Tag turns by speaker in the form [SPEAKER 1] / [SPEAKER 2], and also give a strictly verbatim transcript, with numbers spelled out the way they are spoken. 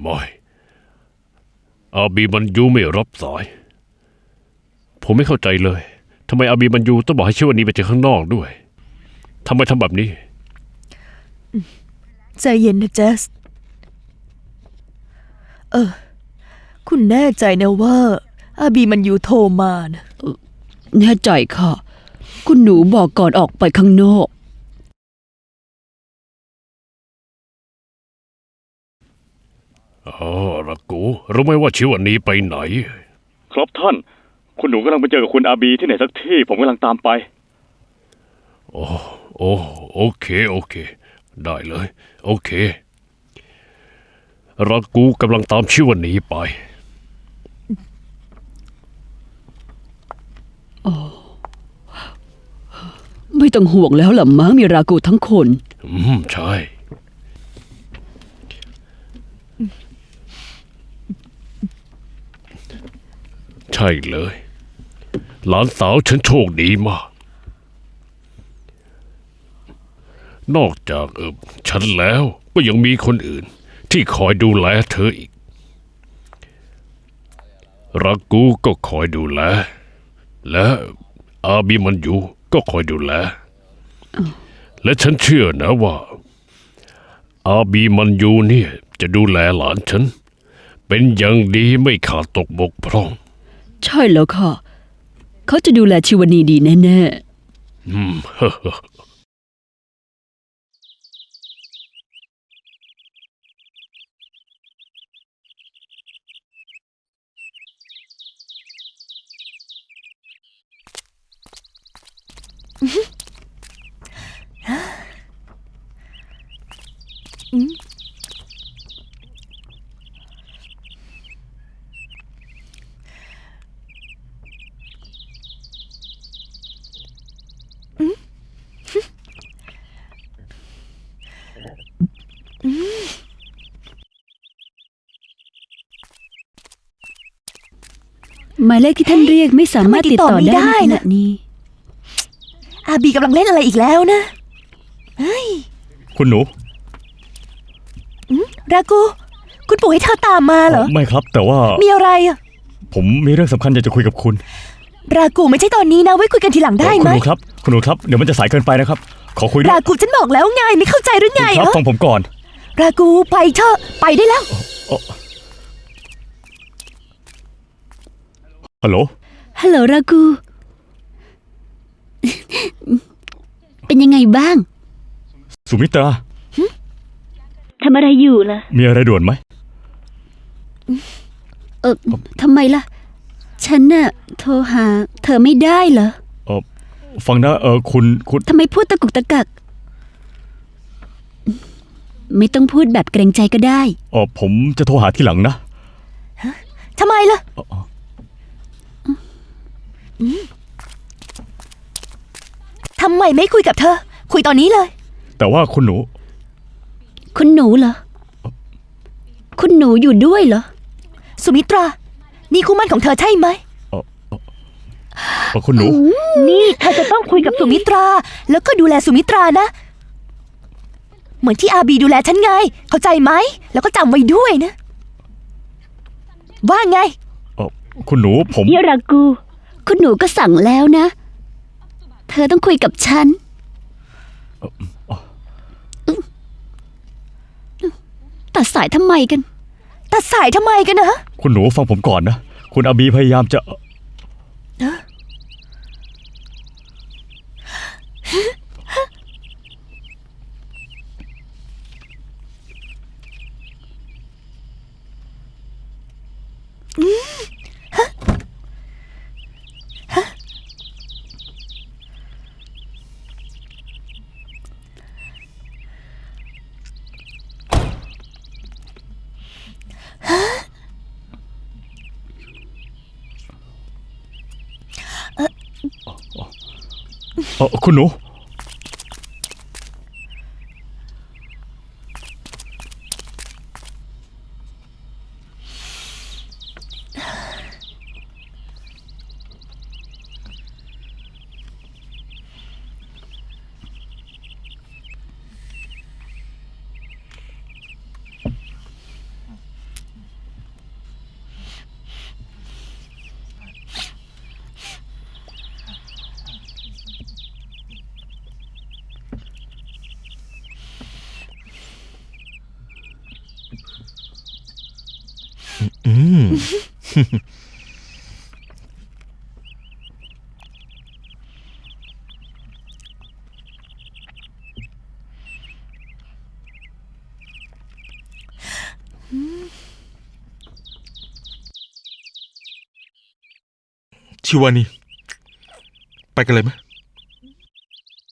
[SPEAKER 1] ไม่อาบีมันยูไม่รับสายผมไม่เข้าใจเลยทำไมอาบีมันยูต้องบอกให้ชิวานีไปเจอข้างนอกด้วยทำไมทำแบบนี้
[SPEAKER 2] ใจเย็นนะเจสเออคุณแน่ใจนะว่าอาบีมันยูโทรมานะ
[SPEAKER 3] แน่ใจค่ะคุณหนูบอกก่อนออกไปข้างนอก
[SPEAKER 1] อ๋อรักกูรู้ไหมว่าชิวานีไปไหน
[SPEAKER 4] ครับท่านคุณหนูกำลังไปเจอกับคุณอาบีที่ไหนสักที่ผมกำลังตามไป
[SPEAKER 1] โอ้โอ้โอเคโอเคได้เลยโอเครักกูกำลังตามชิวานีไป
[SPEAKER 3] ไม่ต้องห่วงแล้วล่ะมั้งมีรากูทั้งคน
[SPEAKER 1] อืมใช่ใช่เลยหลานสาวฉันโชคดีมากนอกจากเออฉันแล้วก็ยังมีคนอื่นที่คอยดูแลเธออีกรักกูก็คอยดูแลและอาบีมันอยู่ก็คอยดูแลและฉันเชื่อนะว่าอาบีมันอยู่เนี่ยจะดูแลหลานฉันเป็นอย่างดีไม่ขาดตกบกพร่อง
[SPEAKER 3] ใช่แล้วค่ะเขาจะดูแลชิวานีดีแน่ๆ
[SPEAKER 1] อืม
[SPEAKER 3] หมายเลขที่ท่านเรียกไม่สามารถติดต่อได้ในขณะนี้
[SPEAKER 2] อาบีกำลังเล่นอะไรอีกแล้วนะเฮ้ย
[SPEAKER 4] คุณหนู
[SPEAKER 2] รากูคุณปู่ให้เธอตามมาเหรอ
[SPEAKER 4] ไม่ครับแต่ว่า
[SPEAKER 2] มีอะไรอ่ะ
[SPEAKER 4] ผมมีเรื่องสำคัญอยากจะคุยกับคุณ
[SPEAKER 2] รากูไม่ใช่ตอนนี้นะไว้คุยกันทีหลังได้ไหม
[SPEAKER 4] คุณหนูครับคุณหนูครับเดี๋ยวมันจะสายเกินไปนะครับขอคุย
[SPEAKER 2] รากูฉันบอกแล้วไงไม่เข้าใจหรือไง
[SPEAKER 4] ครับฟังผมก่อน
[SPEAKER 2] รากูไปเถอะไปได้แล้ว
[SPEAKER 4] ฮัลโหล
[SPEAKER 3] ฮัลโหลรากูเป็นยังไงบ้าง
[SPEAKER 4] สุมิตรา
[SPEAKER 3] ทำอะไรอยู่ล่ะ
[SPEAKER 4] มีอะไรด่วนไหม
[SPEAKER 3] เออทำไมล่ะฉันน่ะโทรหาเธอไม่ได้เหรอ
[SPEAKER 4] เออฟังนะเออคุณคุณ
[SPEAKER 3] ทำไมพูดตะกุกตะกักไม่ต้องพูดแบบเกรงใจก็ได้
[SPEAKER 4] เออผมจะโทรหาทีหลังนะ
[SPEAKER 2] ทำไมล่ะทำไมไม่คุยกับเธอคุยตอนนี้เลย
[SPEAKER 4] แต่ว่าคุณหนู
[SPEAKER 3] คุณหนูเหรอคุณหนูอยู่ด้วยเหรอ
[SPEAKER 2] สุมิตรานี่คู่มั่นของเธอใช่ไหม
[SPEAKER 4] เออคุณหนู
[SPEAKER 2] นี่เธอจะต้องคุยกับสุมิตราแล้วก็ดูแลสุมิตรานะเหมือนที่อาบีดูแลฉันไงเข้าใจไหมแล้วก็จำไว้ด้วยนะว่าไง
[SPEAKER 4] เออคุณหนูผม
[SPEAKER 3] เยรากูคุณหนูก็สั่งแล้วนะเธอต้องคุยกับฉันตัดสายทำไมกัน
[SPEAKER 2] ตัดสายทำไมกันนะ
[SPEAKER 4] คุณหนูฟังผมก่อนนะคุณอาบีพยายามจะเออคุณหนู
[SPEAKER 5] อืม ชิวานี ไปกันเลยไหม